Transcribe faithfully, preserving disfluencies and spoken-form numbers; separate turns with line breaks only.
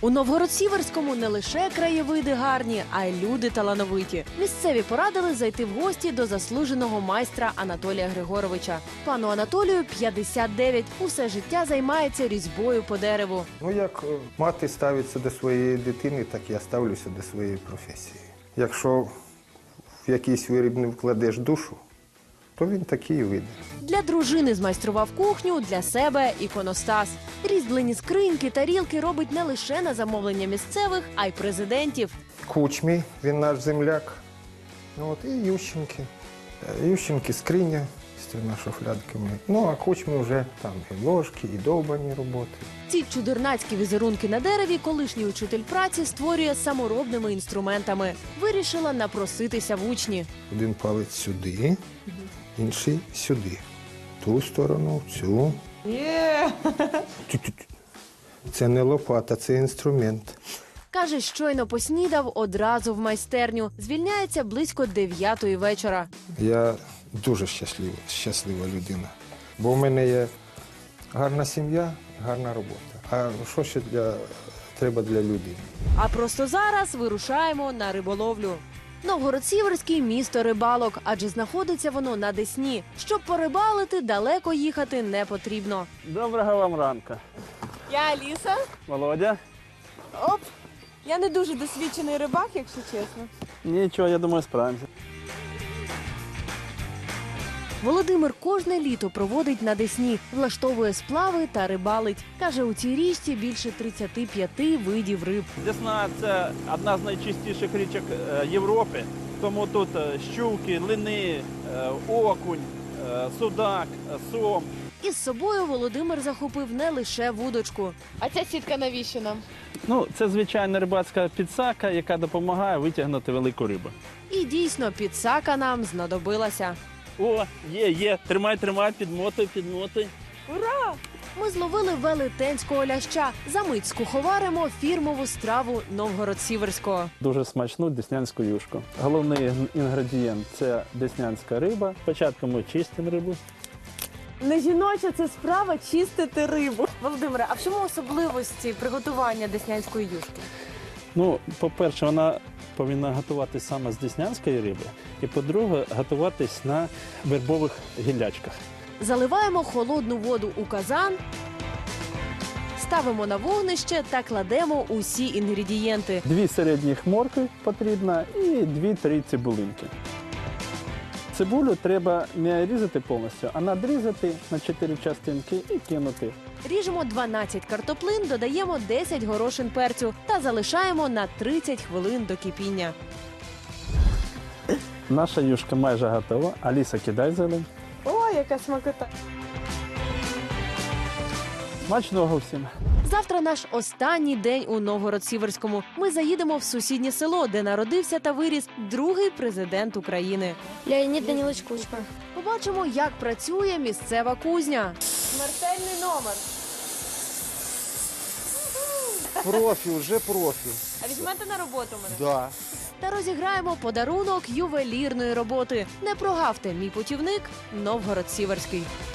У Новгород-Сіверському не лише краєвиди гарні, а й люди талановиті. Місцеві порадили зайти в гості до заслуженого майстра Анатолія Григоровича. Пану Анатолію п'ятдесят дев'ять. Усе життя займається різьбою по дереву.
Ну, як е, мати ставиться до своєї дитини, так я ставлюся до своєї професії. Якщо в якийсь виріб не вкладеш душу, то він такий і вийде.
Для дружини змайстрував кухню, для себе – іконостас. Різьблені скриньки, тарілки робить не лише на замовлення місцевих, а й президентів.
Кучмій, він наш земляк. Ну, от, і Ющенки. Е, Ющенки скриня з трьома шуфлядками. Ну, а Кучмі вже там і ложки, і довбані роботи.
Ці чудернацькі візерунки на дереві колишній учитель праці створює саморобними інструментами. Вирішила напроситися в учні.
Один палець сюди, інший сюди. Ту сторону, цю. Тю-тю-тю. Це не лопата, це інструмент.
Каже, щойно поснідав одразу в майстерню. Звільняється близько дев'ятої вечора.
Я дуже щаслива, щаслива людина. Бо в мене є гарна сім'я, гарна робота. А що ще для, треба для людини?
А просто зараз вирушаємо на риболовлю. Новгород-Сіверський – місто рибалок, адже знаходиться воно на Десні. Щоб порибалити, далеко їхати не потрібно.
Доброго вам ранку.
Я Аліса.
Володя?
Оп! Я не дуже досвідчений рибак, якщо чесно.
Нічого, я думаю, справимося.
Володимир кожне літо проводить на Десні, влаштовує сплави та рибалить. Каже, у цій річці більше тридцяти п'яти видів риб.
Десна – це одна з найчистіших річок е, Європи. Тому тут е, щуки, лини, е, окунь, е, судак, е, сом.
Із собою Володимир захопив не лише вудочку. А ця сітка навіщо нам?
Ну, це звичайна рибацька підсака, яка допомагає витягнути велику рибу.
І дійсно, підсака нам знадобилася.
О, є, є. Тримай, тримай, підмотуй, підмотуй.
Ура! Ми зловили велетенського ляща. Замить скуховаримо фірмову страву Новгород-Сіверського.
Дуже смачну деснянську юшку. Головний інгредієнт – це деснянська риба. Спочатку ми чистимо рибу.
Не жіноча це справа чистити рибу. Володимире, а в чому особливості приготування деснянської юшки?
Ну, по-перше, вона повинна готуватись саме з деснянської риби. І, по-друге, готуватись на вербових гіллячках.
Заливаємо холодну воду у казан, ставимо на вогнище та кладемо усі інгредієнти.
Дві середніх моркви потрібно і дві-три цибулинки. Цибулю треба не різати повністю, а надрізати на чотири частинки і кинути.
Ріжемо дванадцять картоплин, додаємо десять горошин перцю та залишаємо на тридцять хвилин до кипіння.
Наша юшка майже готова. Аліса, кидай зелень.
Ой, яка смакота!
Смачного всім!
Завтра наш останній день у Новгород-Сіверському. Ми заїдемо в сусіднє село, де народився та виріс другий президент України.
Леонід Данилович Кучма.
Побачимо, як працює місцева кузня. Смертельний номер.
Профі, вже профі.
А візьмете на роботу мене?
Да.
Та розіграємо подарунок ювелірної роботи. Не прогавте, мій путівник Новгород-Сіверський.